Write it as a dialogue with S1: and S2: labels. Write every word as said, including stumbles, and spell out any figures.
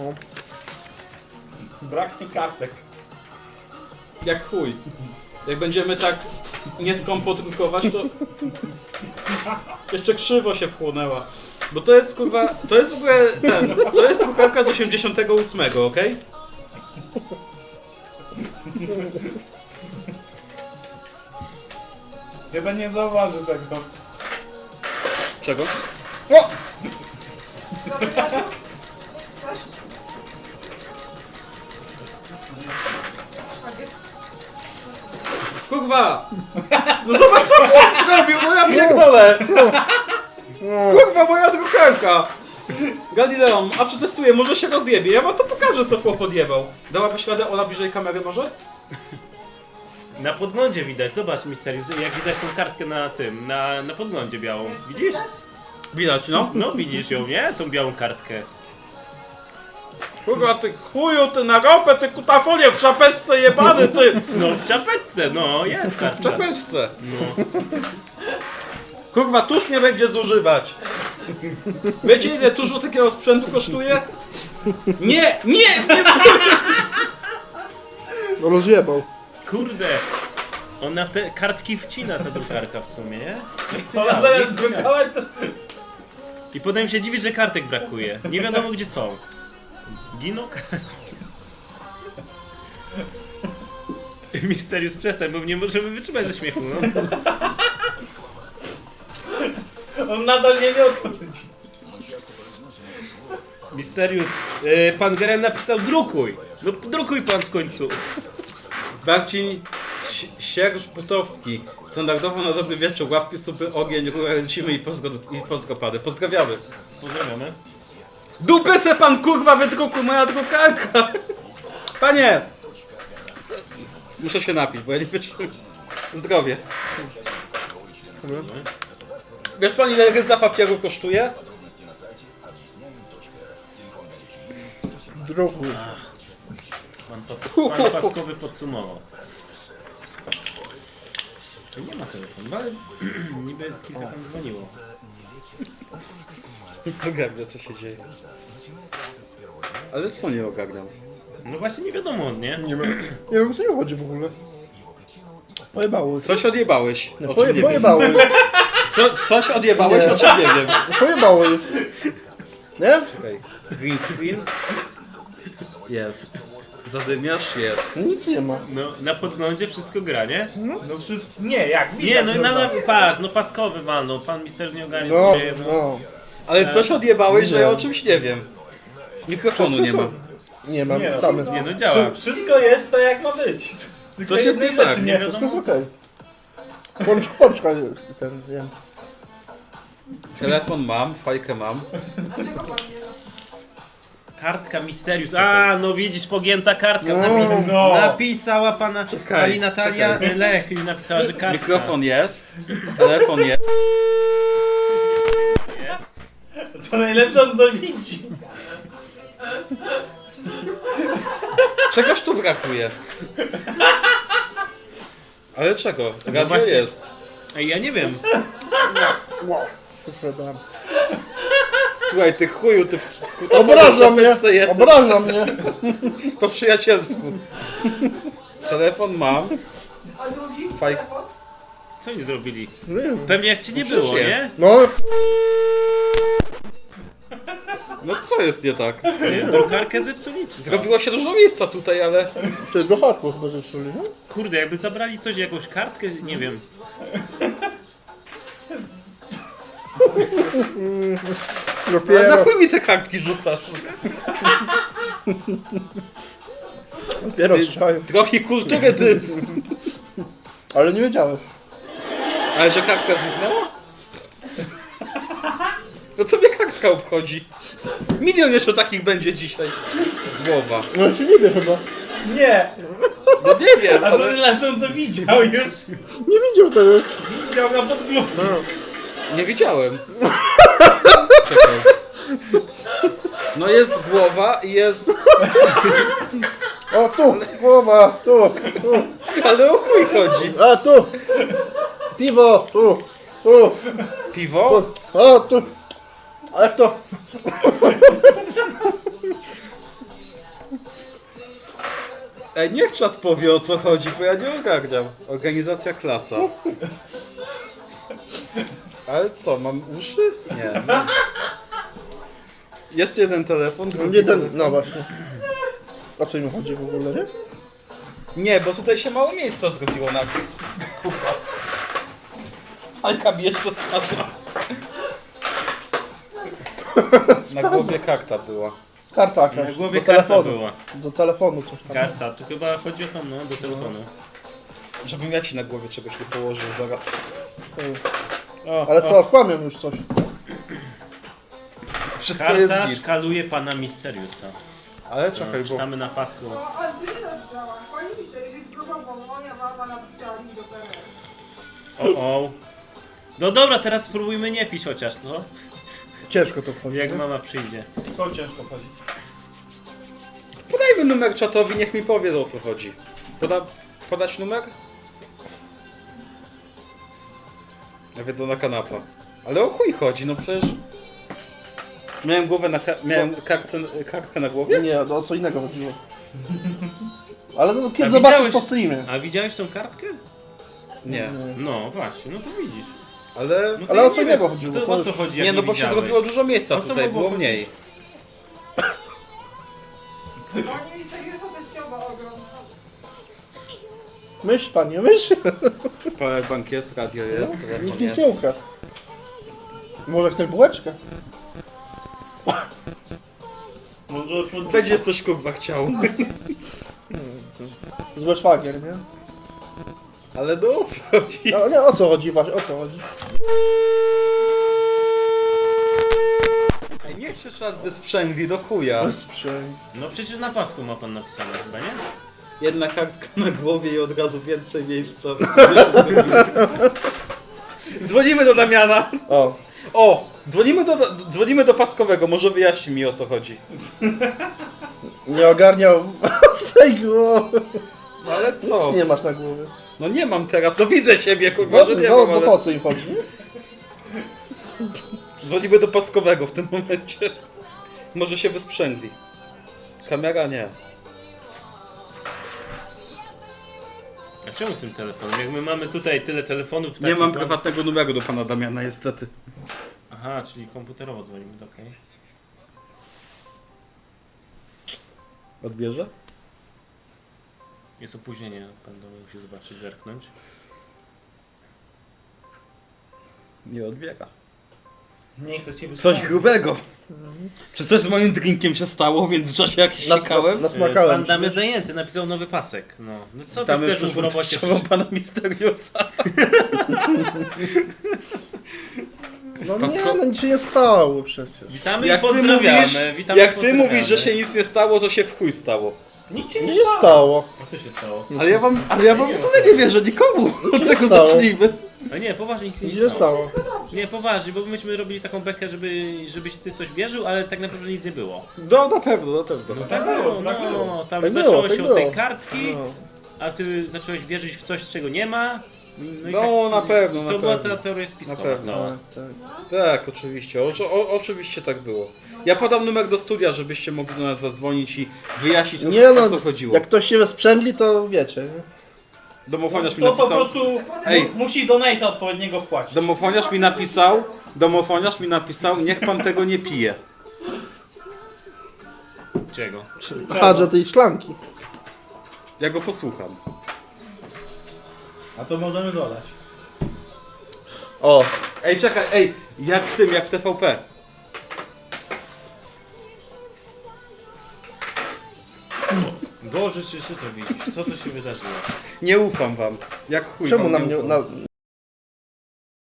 S1: No.
S2: Braknie kartek.
S3: Jak chuj. Jak będziemy tak nieskąpo drukować, to jeszcze krzywo się wchłonęła. Bo to jest kurwa, to jest w ogóle ten, to jest drukarka z osiemdziesiątego ósmego, okej?
S2: Chyba nie zauważy tego.
S3: Czego? O! Kurwa! No zobacz co chłop zrobił, no ja pierdolę! Kurwa, moja drukarka! Galileo, a przetestuję, może się rozjebie, ja wam to pokażę co chłop odjebał. Dałabyś radę Ola bliżej kamery może?
S4: Na podglądzie widać, zobacz Misterius, jak widać tą kartkę na tym, na, na podglądzie białą. Widzisz?
S3: Widać, no.
S4: No widzisz ją, nie? Tą białą kartkę.
S3: Kurwa, ty chuju, ty na ropę, ty kutafolię w czapeczce jebany, ty!
S4: No w czapeczce, no jest
S3: W
S4: kartka.
S3: czapeczce.
S4: No.
S3: Kurwa, tuż nie będzie zużywać. Wiecie ile tużu takiego sprzętu kosztuje? Nie, nie, nie!
S1: No rozjebał.
S4: Kurde. Ona w te kartki wcina ta drukarka w sumie, nie? Nie chce
S2: Ona
S4: działa, nie
S2: zamiast
S4: chce działa.
S2: drukować to...
S4: I potem się dziwić, że kartek brakuje. Nie wiadomo gdzie są. Giną Misterius, przestań, bo nie możemy wytrzymać ze śmiechu, no.
S2: On nadal nie wie o co chodzi.
S4: Misterius, yy, pan Geren napisał drukuj. No drukuj pan w końcu.
S3: Marcin Sierż Butowski. Standardowo na dobry wieczór, łapki, supy, ogień, rurę, lecimy i, pozdro, i pozdropady. Pozdrawiamy.
S4: Pozdrawiamy.
S3: Dupę se pan kurwa wydruku, moja drukarka! Panie! Muszę się napić, bo ja nie wytrzymam. Zdrowie. Wiesz pan ile ryza papieru kosztuje?
S1: Drugi.
S4: Pan, pas, pan Paskowy podsumował. Nie ma telefonu, ale niby kilka tam dzwoniło.
S3: Ogarnia co się dzieje. Ale co nie ogarniam?
S4: No właśnie nie wiadomo, nie?
S1: Nie wiem, nie wiem o co nie chodzi w ogóle. Pojebało.
S3: Coś odjebałeś.
S1: No,
S3: O czym
S1: poje,
S3: nie wiem.
S1: pojebało.
S3: Co, coś odjebałeś,
S1: Nie.
S3: o czym nie wiem.
S1: Pojebało już. Nie?
S3: Czekaj. Green screen? Jest. Zadymiarz? Jest.
S1: Nic nie ma.
S4: No na podglądzie wszystko gra, nie?
S2: No wszystko... Nie, jak widać.
S4: Nie, no
S2: że
S4: na, na,
S2: tak.
S4: patrz, no Paskowy walnął, pan Misterius nie ogarnia
S1: No,
S4: co dzieje, no.
S1: no.
S3: Ale coś odjebałeś, że
S1: Nie.
S3: ja o czymś nie wiem. Mikrofonu nie ma.
S1: Nie mam,
S2: Nie,
S1: same.
S4: Nie no działa.
S2: Wszystko jest to jak ma być. Tylko
S3: Coś jest
S2: jednej
S3: nie tak,
S2: rzeczy
S3: nie
S2: nie.
S4: wiadomo.
S1: Wszystko jest okej. Pącz, pączka ten, wiem.
S3: Telefon mam, fajkę mam.
S4: Kartka Misterius. A, no widzisz, pogięta kartka.
S1: No.
S4: Napi
S2: No.
S4: Napisała pana,
S3: Czekaj,
S4: pani Natalia
S3: czekaj.
S4: Lech napisała, że kartka.
S3: Mikrofon jest, telefon jest.
S2: To najlepsze on to widzi.
S3: Czegoś tu brakuje. Ale czego? Radio
S4: właśnie.
S3: jest.
S4: Ej, ja nie wiem.
S1: Wow. Przepraszam.
S3: Słuchaj, ty chuju, ty w
S1: Obraża mnie!
S3: czapeczce jedno.
S1: Obraża mnie!
S3: Po przyjacielsku. Telefon mam.
S5: A drugi?
S3: Faj-
S5: Telefon?
S4: Co oni zrobili?
S1: Nie wiem.
S4: Pewnie jak ci nie
S3: No przecież
S4: było,
S3: jest.
S4: nie?
S1: No,
S3: No co jest nie tak?
S4: Ty, drukarkę zepsuli czy co?
S3: Zrobiło się dużo miejsca tutaj, ale...
S1: to jest do harku chyba zepsuli, nie?
S4: Kurde, jakby zabrali coś, jakąś kartkę, nie wiem.
S3: Ale na
S1: Dopiero,
S3: chuj mi te kartki rzucasz?
S1: dopiero strzelają.
S3: Trochę kultury, ty...
S1: Ale nie wiedziałeś.
S3: Ale że kartka zniknęła? No co mnie kartka obchodzi? Milion jeszcze takich będzie dzisiaj. Głowa.
S1: No jeszcze nie wie chyba.
S2: Nie.
S3: No nie wiem,
S2: A co
S3: ale...
S2: znaczy on to widział już?
S1: Nie widział tego.
S2: Widział na podglądzie.
S3: Nie widziałem. Czekaj. No jest głowa i jest...
S1: O tu, głowa, tu, tu.
S3: Ale o chuj chodzi.
S1: A tu. Piwo, tu, tu,
S3: Piwo?
S1: tu. O tu. Ale to.
S3: Ej, niech czat powie o co chodzi, bo ja nie ogarniam. Organizacja klasa. Ale co, mam uszy? Nie. nie. Jest jeden telefon, drugi...
S1: Jeden, no właśnie. O co im chodzi w ogóle, nie?
S3: Nie, bo tutaj się mało miejsca zrobiło na tym. Alka mi jeszcze spadła. Na głowie karta była.
S1: Karta jakaś.
S4: Na głowie
S1: do
S4: karta
S1: telefonu.
S4: była.
S1: Do telefonu coś tam.
S4: Karta, to chyba chodzi o to, no, do telefonu.
S3: Żebym ja ci na głowie czegoś nie położył zaraz.
S1: Ej.
S4: O,
S1: Ale
S4: o.
S1: co, kłamią już coś.
S3: Wszystko
S4: Karta
S3: jest git.
S4: szkaluje pana Misteriusa.
S3: Ale
S4: No,
S3: czekaj, bo...
S4: czytamy na pasku.
S5: No, ale ty nie napisała. Pani Misterius jest grupą, bo moja mama nawet chciała mi do P R L.
S4: O, o. No dobra, teraz spróbujmy nie pić chociaż, co?
S1: Ciężko to wchodzi.
S4: Jak
S1: nie?
S4: mama przyjdzie.
S2: Co ciężko chodzi?
S3: Podajmy numer czatowi, niech mi powie o co chodzi. Poda... Podać numer? Nawiedzona kanapa. Ale o chuj chodzi, no przecież... Miałem głowę na... Ka... Miałem kartce... kartkę na głowie?
S1: Nie, no, o co innego chodziło. Ale no,
S4: A
S1: kiedy zobaczysz
S4: widziałeś-
S1: po streamie.
S4: A widziałeś tą kartkę?
S3: Nie.
S4: No właśnie, no to widzisz.
S3: Ale...
S4: No to
S1: Ale
S4: ja
S1: o co
S4: nie
S1: innego
S4: wiem.
S1: chodziło?
S4: To,
S1: To
S4: o co
S1: już-
S4: chodzi, jak
S3: Nie, no bo się
S4: widziałeś?
S3: zrobiło dużo miejsca
S4: O co
S3: tutaj,
S4: mogło
S3: było
S4: chodzić?
S3: mniej.
S5: Pani Misterius to teściowa ogromna.
S1: Myśl, panie, myśl.
S3: Powerbank jest, radio jest, telefon
S1: Nikt nic
S3: jest.
S1: nie ukradł. Może chcesz bułeczkę?
S2: Może pod...
S3: Będziesz coś kurwa chciał.
S1: Zły szwagier, nie?
S3: Ale no o co chodzi?
S1: No nie, o co chodzi właśnie, o co chodzi?
S3: Ej, niech się czat wysprzęgli do chuja.
S1: Bezprzęg.
S4: No przecież na pasku ma pan napisane chyba, nie?
S3: Jedna kartka na głowie i od razu więcej miejsca. Dzwonimy do Damiana.
S1: O,
S3: O! Dzwonimy do, dzwonimy do Paskowego, może wyjaśni mi o co chodzi.
S1: nie ogarniał z tej głowy.
S3: No ale co?
S1: Nic nie masz na głowie.
S3: No nie mam teraz, no widzę siebie, kurwa,
S1: No,
S3: że nie
S1: no,
S3: mam,
S1: no
S3: ale...
S1: po co im chodzi?
S3: Dzwonimy do Paskowego w tym momencie. Może się wysprzęgli. Kamera nie.
S4: A czemu tym telefonem? Jak my mamy tutaj tyle telefonów...
S3: Nie
S4: takich
S3: mam
S4: dom-
S3: prywatnego numeru do pana Damiana, niestety.
S4: Aha, czyli komputerowo dzwonimy, to okej.
S3: Odbierze?
S4: Jest opóźnienie, pan do mnie musi zobaczyć, zerknąć.
S3: Nie odbiera.
S2: Nie chcę cię
S3: Coś
S2: wysłuchać.
S3: grubego. Czy coś z moim drinkiem się stało, więc w czasie jak
S1: Nasma-
S3: sikałem?
S4: Pan
S1: Nasmakałem.
S4: Damian zajęty, napisał nowy pasek. No, no co ty
S3: Damy
S4: chcesz już w robocie?
S3: przyszłą pana Misteriusa.
S1: No nie,
S3: Pasko-
S1: no nic się nie stało przecież.
S4: Witamy
S3: Jak
S4: i
S3: ty
S4: pozdrawiamy.
S3: mówisz,
S4: Witamy
S3: jak
S4: i
S3: ty
S4: pozdrawiamy.
S3: mówisz, że się nic nie stało, to się w chuj stało.
S2: Nic się
S1: Nie
S2: nie
S1: się stało.
S4: A co się stało?
S3: Ale ja wam, ale ja wam w ogóle nie wierzę nikomu. Od tego
S1: stało.
S3: zacznijmy.
S4: A nie, poważnie nic się
S1: Nic
S4: nie
S1: się
S4: stało.
S1: stało.
S4: Nie, poważnie, bo myśmy robili taką bekę, żeby, żebyś ty coś wierzył, ale tak naprawdę nic nie było.
S3: No na pewno, na pewno.
S4: No
S2: tak
S4: tak
S2: było,
S4: było,
S2: tak
S4: no,
S2: było.
S4: tam
S1: Tak było,
S4: zaczęło
S1: tak
S4: się
S1: było.
S4: od tej kartki,
S1: No.
S4: a ty zacząłeś wierzyć w coś, czego nie ma. No, i
S3: No, na pewno,
S4: To
S3: na
S4: była
S3: pewno.
S4: ta teoria spiskowa
S3: Na pewno.
S4: cała.
S1: Tak, tak.
S3: Tak, oczywiście. O, o, oczywiście tak było. Ja podam numer do studia, żebyście mogli do nas zadzwonić i wyjaśnić, o,
S1: Nie
S3: o
S1: no,
S3: co chodziło.
S1: jak ktoś się wesprzęgli, to wiecie. Nie?
S3: Domofoniarz mi
S2: To po
S3: napisał...
S2: prostu
S3: Ej.
S2: mus- musi donate'a odpowiedniego wpłacić.
S3: Domofoniarz mi napisał... Domofoniarz mi napisał, niech pan tego nie pije.
S4: Czego?
S1: Aha, że tej szklanki.
S3: Ja go posłucham.
S2: A to możemy dodać.
S1: O,
S3: Ej, czekaj, ej, jak w tym, jak w T V P.
S4: Boże, czy ty to widzisz? Co to się wydarzyło?
S3: Nie ufam wam. Jak chuj
S1: czemu
S3: wam
S1: na
S3: nie
S1: mnie,
S3: ufam.
S1: na,